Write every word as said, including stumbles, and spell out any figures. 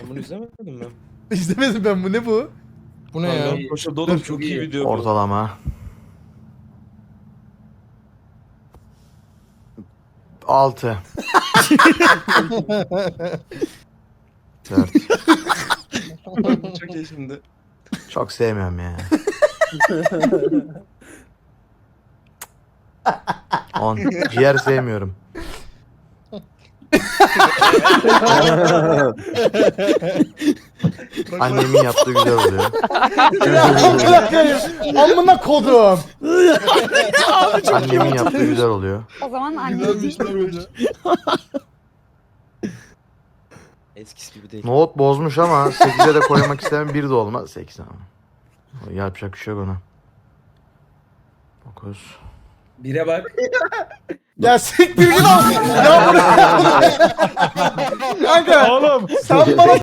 Sen bunu izlemedin mi? İzlemedim ben, bu ne bu? Bu ne ya? Kanka, Başarılı oğlum çok iyi video bu. Ortalama. Altı. Dört. Çok iyi şimdi. Çok sevmiyorum ya. On. Ciğer sevmiyorum. Annemin yaptığı güzel oluyor. Amına kodum. Annemin yaptığı güzel oluyor. O zaman anneciğim. Eskisi gibi değil. Nohut bozmuş ama sekize de koymak istemem, bir de olmaz. sekiz ama. Yapacak bir şey yok ona. dokuz. Bire bak. Ya siktir git al. Ya bu ne? Kanka Oğlum. sen bana